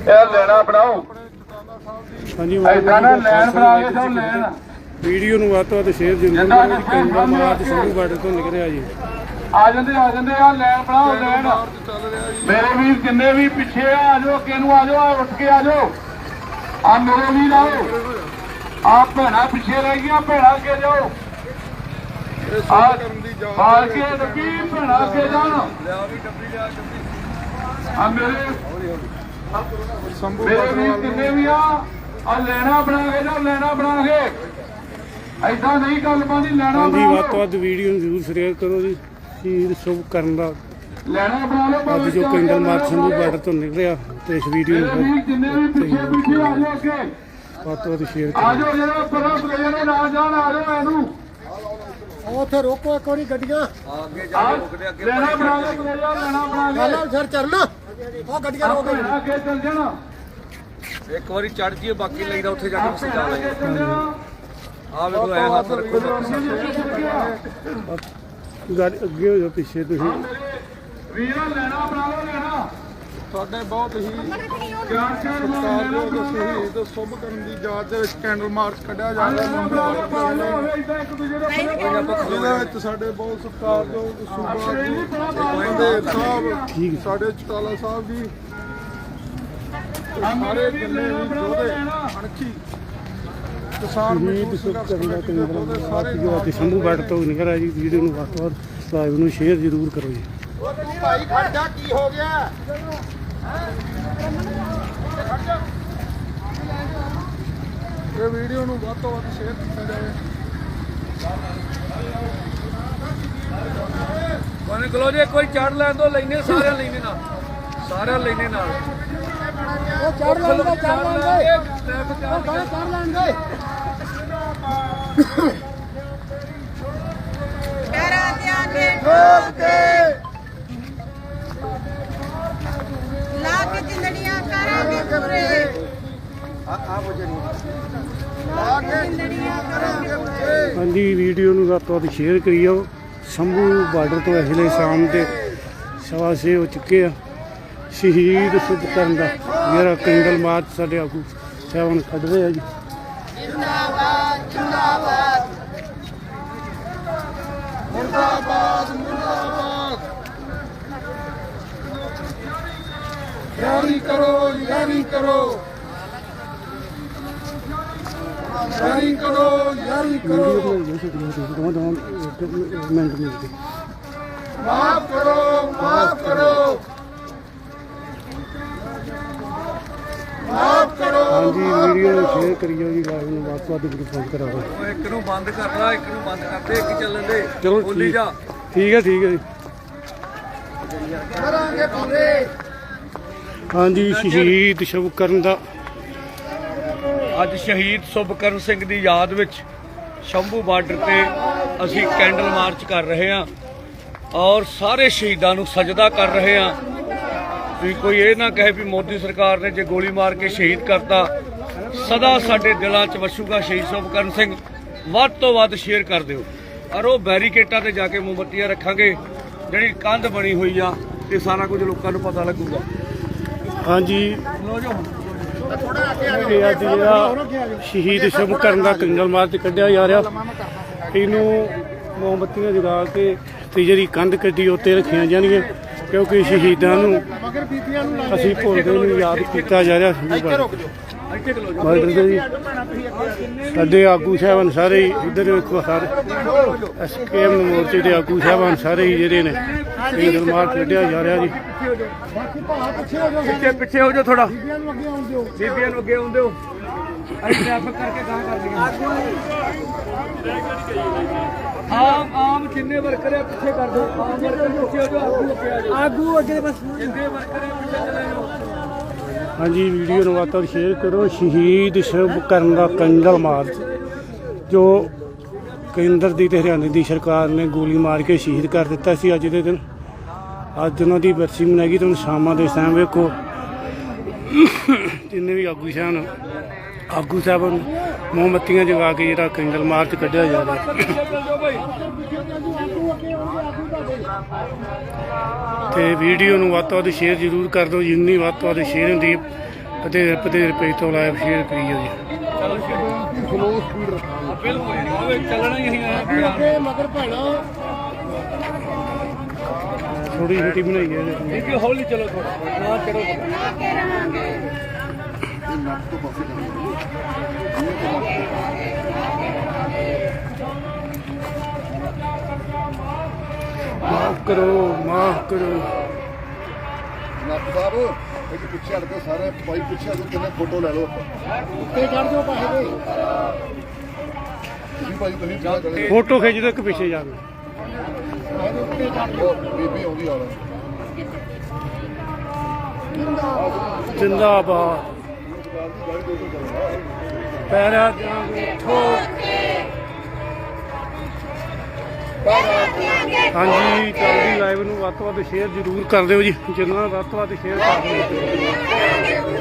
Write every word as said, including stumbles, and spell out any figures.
ਇਹ ਲੈਣਾ ਬਣਾਓ। ਹਾਂਜੀ ਐਦਾਂ ਨਾ ਲੈਣ ਬਣਾ ਕੇ ਸਭ ਲੈਣ। ਵੀਡੀਓ ਨੂੰ ਵੱਧ ਤੋਂ ਵੱਧ ਸ਼ੇਅਰ ਜ਼ਰੂਰ ਕਰੋ ਜੀ। ਕੈਂਡਾ ਮਾਰਚ ਸੰਧੂ ਬਾਰਡਰ ਤੋਂ ਨਿਕਲ ਰਿਹਾ ਜੀ। ਆ ਜਾਂਦੇ ਆ ਜਾਂਦੇ ਆ ਲੈਣ ਬਣਾਓ ਲੈਣ। ਮੇਰੇ ਵੀਰ ਜਿੰਨੇ ਵੀ ਪਿੱਛੇ ਆ ਆ ਜਾਓ, ਅੱਗੇ ਨੂੰ ਆ ਜਾਓ, ਆ ਉੱਠ ਕੇ ਆ ਜਾਓ। ਆ ਮੇਰੇ ਵੀਰ ਆਓ। ਆ ਭੈਣਾਂ ਪਿੱਛੇ ਰਹਿ ਗਈਆਂ, ਭੈਣਾਂ ਅੱਗੇ ਜਾਓ। ਆ ਮਾਰ ਕੇ ਡੱਬੀ ਭੈਣਾਂ ਅੱਗੇ ਜਾਣ। ਆ ਮੇਰੇ ਮੇਰੇ ਵੀਰ ਜਿੰਨੇ ਵੀ ਆ ਆ ਲੈਣਾ ਬਣਾ ਕੇ ਜਾਓ, ਲੈਣਾ ਬਣਾ ਕੇ। ਐਦਾਂ ਨਹੀਂ ਗੱਲ ਬਣਦੀ, ਲੈਣਾ ਹਾਂਜੀ ਬਣਾ ਵੱਧ ਤੋਂ ਵੱਧ ਵੀਡੀਓ ਨੂੰ ਜ਼ਰੂਰ ਸ਼ੇਅਰ ਕਰੋ ਜੀ। ਸ਼ਹੀਦ ਸ਼ੁਭ ਕਰਨ ਦਾ ਲੈਣਾ ਬਣਾ ਲਓ। ਅੱਜ ਜੋ ਕੈਂਡਲ ਮਾਰਚ ਸੰਧੂ ਬਾਰਡਰ ਤੋਂ ਨਿਕਲਿਆ ਤੇ ਇਸ ਵੀਡੀਓ ਨੂੰ ਜਿੰਨੇ ਵੀ ਪਿੱਛੇ ਪਿੱਛੇ ਆ ਜਾਓ, ਅੱਗੇ ਵੱਧ ਤੋਂ ਵੱਧ ਸ਼ੇਅਰ ਆ ਜਾਓ। ਜਿਹੜਾ ਪਰਾਂ ਪਲੇਅਰ ਨਾਲ ਜਾਣ ਆ ਜਾਓ। ਇਹਨੂੰ ਉੱਥੇ ਰੋਕੋ ਇੱਕ ਵਾਰੀ ਗੱਡੀਆਂ ਅੱਗੇ ਜਾ ਕੇ ਰੁਕਦੇ। ਅੱਗੇ ਲੈਣਾ ਬਣਾ ਲਓ, ਪਲੇਅਰ ਲੈਣਾ ਬਣਾ ਕੇ ਨਾਲ ਸਰ ਚੜਨਾ ਉਹ ਗੱਡੀਆਂ ਰੋਕ ਭੈਣਾਂ ਅੱਗੇ ਚੱਲ ਜਾਣਾ। ਇੱਕ ਵਾਰੀ ਚੜ ਜੀਏ, ਬਾਕੀ ਲਈਦਾ ਉੱਥੇ ਜਾ ਕੇ ਸਿੱਧਾ ਲੈ ਅੱਗੇ ਚੱਲ ਜਾਣਾ। ਆ ਵੇਖੋ ਐ ਹੱਥ ਰੱਖੋ। ਗਾੜੀ ਅੱਗੇ ਹੋ ਜਾਓ, ਪਿੱਛੇ ਤੁਸੀਂ ਵੀਰਾਂ ਲੈਣਾ ਬਣਾ ਲਓ, ਲੈਣਾ ਸਾਡੇ ਬਹੁਤ ਹੀ ਚਾਰ ਚਾਰ ਮਾਰ ਲੈਣਾ ਸਤਿਕਾਰਯੋਗ ਸ਼ਹੀਦ ਸੁਭ ਕਰਨ ਦੀ ਯਾਦ ਦੇ ਵਿੱਚ ਕੈਂਡਲ ਮਾਰਚ ਕੱਢਿਆ ਜਾ ਰਿਹਾ ਹੈ। ਇਦਾਂ ਇੱਕ ਦੂਜੇ ਦੇ ਜਿਹਦੇ ਵਿੱਚ ਸਾਡੇ ਬਹੁਤ ਸਤਿਕਾਰਯੋਗ ਸੂਬਾ ਜੀ ਦੇ ਸਾਹਿਬ, ਸਾਡੇ ਚਟਾਲਾ ਸਾਹਿਬ ਜੀ, ਸਾਰੇ ਜਿੰਨੇ ਵੀ ਯੋਧੇ ਅਣਖੀ ਕਿਸਾਨ ਸ਼ਹੀਦ ਸ਼ੁਭ ਕਰਨ ਦਾ ਕੈਂਡਲ ਮਾਰਚ ਜੋ ਅੱਜ ਸੰਧੂ ਬਾਰਡਰ ਤੋਂ ਨਿਕਲ ਰਿਹਾ ਜੀ। ਵੀਡੀਓ ਨੂੰ ਵੱਧ ਤੋਂ ਵੱਧ ਸਬਸਕ੍ਰਾਈਬ ਨੂੰ ਸ਼ੇਅਰ ਜ਼ਰੂਰ ਕਰੋ ਜੀ। ਭਾਈ ਖੜ ਜਾ, ਕੀ ਹੋ ਗਿਆ? ਇਹ ਵੀਡੀਓ ਨੂੰ ਵੱਧ ਤੋਂ ਵੱਧ ਸ਼ੇਅਰ ਕੀਤਾ ਜਾਵੇ। ਕੋਨੇ ਕਲੋ ਜੇ ਕੋਈ ਚੜ ਲੈਣ ਤੋਂ ਲੈਨੇ ਸਾਰਿਆਂ ਲੈਨੇ ਨਾਲ, ਸਾਰਿਆਂ ਲੈਨੇ ਨਾਲ। ਉਹ ਚੜ ਲੈਣਗੇ, ਚੜ ਲੈਣਗੇ, ਟ੍ਰੈਫਿਕ ਉਹ ਗਾਣੇ ਚੜ ਲੈਣਗੇ। ਡਰਾਂ ਦਿਆਂਗੇ ਠੋਕ ਕੇ ਲਾ ਕੇ ਜਿੰਦੜੀਆਂ ਕਰਾਂਗੇ ਪੂਰੇ। ਲਾ ਕੇ ਜਿੰਦੜੀਆਂ ਕਰਾਂਗੇ ਪੂਰੇ। ਹਾਂਜੀ ਵੀਡੀਓ ਨੂੰ ਵੱਧ ਤੋਂ ਵੱਧ ਸ਼ੇਅਰ ਕਰਿਓ। ਸੰਭੂ ਬਾਰਡਰ ਤੋਂ ਇਸ ਵੇਲੇ ਸ਼ਾਮ ਦੇ ਸਵਾ ਛੇ ਹੋ ਚੁੱਕੇ ਆ। ਸ਼ਹੀਦ ਸ਼ੁਭ ਕਰਨ ਦਾ ਜਿਹੜਾ ਕੈਂਡਲ ਮਾਰਚ ਸਾਡੇ ਆਗੂ ਸਾਹਿਬਾਨ ਕੱਢ ਰਹੇ ਆ ਜੀ। ਜਿੰਦਾਬਾਦ ਜਿੰਦਾਬਾਦ ਮੁਰਦਾਬਾਦ ਮੁਰਦਾਬਾਦ। ਯਾਰੀ ਕਰੋ, ਯਾਰੀ ਕਰੋ, ਯਾਰੀ ਕਰੋ, ਯਾਰੀ ਕਰੋ। ਮਿੰਟ ਮਿਲਦੇ ਮਾਫ ਕਰੋ, ਮਾਫ ਕਰੋ, ਮਾਫ ਕਰੋ। ਹਾਂਜੀ ਵੀਡੀਓ ਨੂੰ ਸ਼ੇਅਰ ਕਰਿਓ ਜੀ। ਲਾਈਵ ਨੂੰ ਵੱਧ ਤੋਂ ਵੱਧ ਗਰੁੱਪ ਕਰਾਓ। ਉਹ ਇੱਕ ਨੂੰ ਬੰਦ ਕਰ ਲਾ, ਇੱਕ ਨੂੰ ਬੰਦ ਕਰਦੇ, ਇੱਕ ਚੱਲਣ ਦੇ। ਚਲੋ ਬੋਲੀ ਠੀਕ ਜਾ। ਠੀਕ ਹੈ ਠੀਕ ਹੈ ਜੀ। ਕਰਾਂਗੇ ਪੂਰੇ। ਹਾਂਜੀ ਸ਼ਹੀਦ ਸ਼ੁਭ ਕਰਨ ਦਾ ਅੱਜ ਸ਼ਹੀਦ ਸੁਭਕਰਨ ਸਿੰਘ ਦੀ ਯਾਦ ਵਿੱਚ ਸ਼ੰਭੂ ਬਾਰਡਰ ਤੇ ਅਸੀਂ ਕੈਂਡਲ ਮਾਰਚ ਕਰ ਰਹੇ ਹਾਂ ਔਰ ਸਾਰੇ ਸ਼ਹੀਦਾਂ ਨੂੰ ਸਜਦਾ ਕਰ ਰਹੇ ਹਾਂ। ਵੀ ਕੋਈ ਇਹ ਨਾ ਕਹੇ ਵੀ ਮੋਦੀ ਸਰਕਾਰ ਨੇ ਜੇ ਗੋਲੀ ਮਾਰ ਕੇ ਸ਼ਹੀਦ ਕਰਤਾ। ਸਦਾ ਸਾਡੇ ਦਿਲਾਂ 'ਚ ਵਸੂਗਾ ਸ਼ਹੀਦ ਸੁਭਕਰਨ ਸਿੰਘ। ਵੱਧ ਤੋਂ ਵੱਧ ਸ਼ੇਅਰ ਕਰ ਦਿਓ ਔਰ ਉਹ ਬੈਰੀਕੇਟਾਂ ਤੇ ਜਾ ਕੇ ਮੋਮਬੱਤੀਆਂ ਰੱਖਾਂਗੇ। ਜਿਹੜੀ ਕੰਧ ਬਣੀ ਹੋਈ ਆ ਇਹ ਸਾਰਾ ਕੁਝ ਲੋਕਾਂ ਨੂੰ ਪਤਾ ਲੱਗੂਗਾ। ਹਾਂਜੀ ਇਹ ਅੱਜ ਜਿਹੜਾ ਸ਼ਹੀਦ ਸ਼ੁਭ ਕਰਨ ਦਾ ਕੈਂਡਲ ਮਾਰਚ ਕੱਢਿਆ ਜਾ ਰਿਹਾ, ਇਹਨੂੰ ਮੋਮਬੱਤੀਆਂ ਜਗਾ ਕੇ ਤੇ ਜਿਹੜੀ ਕੰਧ ਕੱਢੀ ਉੱਤੇ ਰੱਖੀਆਂ ਜਾਣਗੀਆਂ ਕਿਉਂਕਿ ਸ਼ਹੀਦਾਂ ਨੂੰ ਅਸੀਂ ਭੁੱਲਦੇ ਨੂੰ ਯਾਦ ਕੀਤਾ ਜਾ ਰਿਹਾ। ਬਾਰਡਰ ਦੇ ਜੀ ਸਾਡੇ ਆਗੂ ਸਾਹਿਬਾਨ ਸਾਰੇ ਹੀ ਇੱਧਰ ਵੇਖੋ, ਸਾਰੇ ਐਸਕੇਐਮ ਮੋਰਚੇ ਦੇ ਆਗੂ ਸਾਹਿਬਾਨ ਸਾਰੇ ਹੀ ਜਿਹੜੇ ਨੇ ਕੈਂਡਲ ਮਾਰਚ ਕੱਢਿਆ ਜਾ ਰਿਹਾ ਜੀ। ਪਿੱਛੇ ਪਿੱਛੇ ਹੋ ਜਾਓ ਥੋੜਾ, ਬੀਬੀਆਂ ਨੂੰ ਅੱਗੇ ਆਉਣ ਦਿਓ। ਬੀਬੀਆਂ ਨੂੰ ਅੱਗੇ ਆਉਂਦੇ ਹੋ। ਅਸੀਂ ਟ੍ਰੈਫਿਕ ਕਰਕੇ ਗਾਂ ਕਰ ਲਈਏ। ਆਮ ਆਮ ਜਿੰਨੇ ਵਰਕਰ ਆ ਪਿੱਛੇ ਕਰ ਦਿਓ। ਆਮ ਵਰਕਰ ਪਿੱਛੇ ਹੋ ਜਾਓ, ਆਗੂ ਅੱਗੇ ਆ ਜਾਓ। ਆਗੂ ਅੱਗੇ ਬਸ। ਜਿੰਨੇ ਵਰਕਰ ਆ ਪਿੱਛੇ ਚਲੇ ਜਾਓ। ਹਾਂਜੀ ਵੀਡੀਓ ਨੂੰ ਵੱਧ ਤੋਂ ਵੱਧ ਸ਼ੇਅਰ ਕਰੋ। ਸ਼ਹੀਦ ਸ਼ੁਭ ਕਰਨ ਦਾ ਕੈਂਡਲ ਮਾਰਚ ਜੋ ਕੇਂਦਰ ਦੀ ਤੇ ਹਰਿਆਣੇ ਦੀ ਸਰਕਾਰ ਨੇ ਗੋਲੀ ਮਾਰ ਕੇ ਸ਼ਹੀਦ ਕਰ ਦਿੱਤਾ ਸੀ ਅੱਜ ਦੇ ਦਿਨ। ਅੱਜ ਉਹਨਾਂ ਦੀ ਬਰਸੀ ਮਨਾਈ। ਤੁਹਾਨੂੰ ਸ਼ਾਮਾਂ ਦੇ ਟਾਈਮ ਵੇਖੋ ਜਿੰਨੇ ਵੀ ਆਗੂ ਸਾਹਿਬ ਆਗੂ ਸਾਹਿਬ ਮੋਮਬੱਤੀਆਂ ਜਗਾ ਕੇ ਜਿਹੜਾ ਕੈਂਡਲ ਮਾਰਚ ਕੱਢਿਆ ਜਾ ਰਿਹਾ। ਤੇ ਵੀਡੀਓ ਨੂੰ ਵੱਧ ਤੋਂ ਵੱਧ ਸ਼ੇਅਰ ਜ਼ਰੂਰ ਕਰ ਦਿਓ। ਜਿੰਨੀ ਵੱਧ ਤੋਂ ਵੱਧ ਸ਼ੇਅਰ ਹੁੰਦੀ ਅਤੇ ਪਤੇਰ ਪੇਜ ਤੋਂ ਲਾਈਵ ਸ਼ੇਅਰ ਕਰੀ ਜਾਓ ਜੀ। ਸਲੋ ਸਪੀਡ ਰੱਖਾਂਗੇ ਬਿਲਕੁਲ ਚੱਲਣਾ ਹੀ ਅਸੀਂ ਆਇਆ ਅੱਗੇ ਮਗਰ ਭੈਣਾ ਥੋੜੀ ਛੋਟੀ ਬਣਾਈ ਹੈ ਇਹਦੇ। ਠੀਕ ਹੈ ਹੌਲੀ ਚਲੋ ਥੋੜਾ ਨਾ ਚੜੋ ਇਹ ਨੱਕ ਤੋਂ ਪਾਸੇ ਕਰਾਂਗੇ ਮਾਫ ਕਰੋ ਮਾਫ ਕਰੋ। ਨੱਕ ਸਾਹਿਬ ਇੱਕ ਪਿੱਛੇ ਹਟ ਕੇ ਸਾਰੇ ਭਾਈ ਪਿੱਛੇ ਹਟ ਕੇ ਕਿੰਨੇ ਫੋਟੋ ਲੈ ਲਓ ਉੱਤੇ ਚੜ ਜਾਓ ਪਾਸੇ ਦੇ ਤੁਸੀਂ ਭਾਈ ਤੁਸੀਂ ਪਿੱਛੇ ਚਲੇ ਫੋਟੋ ਖਿੱਚ ਦੋ ਇੱਕ ਪਿੱਛੇ ਜਾ ਕੇ। ਪਾਸੇ ਉੱਤੇ ਚੜ ਜਾਓ ਬੀਬੀ ਆਉਂਦੀ ਆ ਰਹੀ ਜਿੰਦਾਬਾਦ ਪੈਰਾ ਜਾਗੇ ਠੋਕ। ਹਾਂਜੀ ਚੱਲਦੀ ਲਾਈਵ ਨੂੰ ਵੱਧ ਤੋਂ ਵੱਧ ਸ਼ੇਅਰ ਜ਼ਰੂਰ ਕਰ ਦਿਓ ਜੀ। ਜਿੰਨਾ ਵੱਧ ਤੋਂ ਵੱਧ ਸ਼ੇਅਰ ਕਰ ਦਿਓ।